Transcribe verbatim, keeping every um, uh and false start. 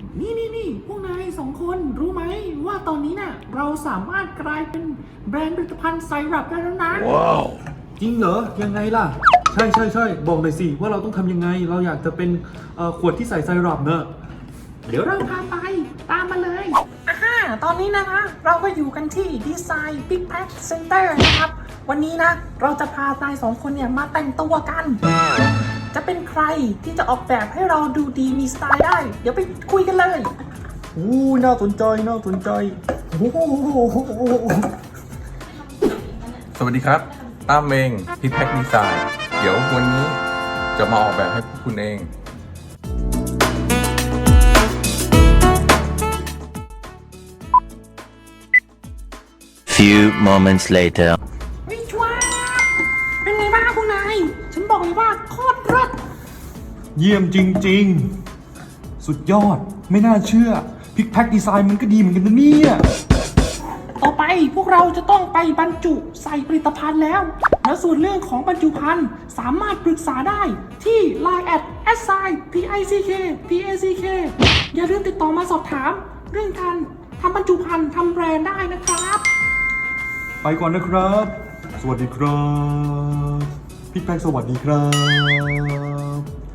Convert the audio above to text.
นี่นี่นี่พวกนายสองคนรู้ไหมว่าตอนนี้น่ะเราสามารถกลายเป็นแบรนด์ผลิตภัณฑ์ไซรัปได้แล้วนะว้าวจริงเหรอยังไงล่ะใช่ใช่ใช่บอกหน่อยสิว่าเราต้องทำยังไงเราอยากจะเป็นขวดที่ใส่ไซรัปเนอะเดี๋ยวเราพาไปตามมาเลยอ่าฮะตอนนี้นะคะเราก็อยู่กันที่ดีไซน์บิ๊กแพ็คเซ็นเตอร์นะครับวันนี้นะเราจะพานายสองคนเนี่ยมาแต่งตัวกันจะเป็นใครที่จะออกแบบให้เราดูดีมีสไตล์ได้เดี๋ยวไปคุยกันเลยอู้น่าสนใจน่าสนใจโอ้โหสวัสดีครับตั้มเองพิทแพ็กดีไซน์เดี๋ยววันนี้จะมาออกแบบให้พวกคุณเอง Few moments later วิชวาเป็นไงบ้างพวกนายฉันบอกเลยว่าโคตรเลิศเยี่ยมจริงๆสุดยอดไม่น่าเชื่อพิกแพ็คดีไซน์มันก็ดีเหมือนกันนะเนี่ยต่อไปพวกเราจะต้องไปบรรจุใส่ผลิตภัณฑ์แล้วแล้วส่วนเรื่องของบรรจุภัณฑ์สามารถปรึกษาได้ที่ ไลน์ แอท แอสไซน์ พี ไอ ซี เค พี เอ ซี เค อย่าลืมติดต่อมาสอบถามเรื่องการทำบรรจุภัณฑ์ทำแบรนด์ได้นะครับไปก่อนนะครับสวัสดีครับพิกแพ็คสวัสดีครับ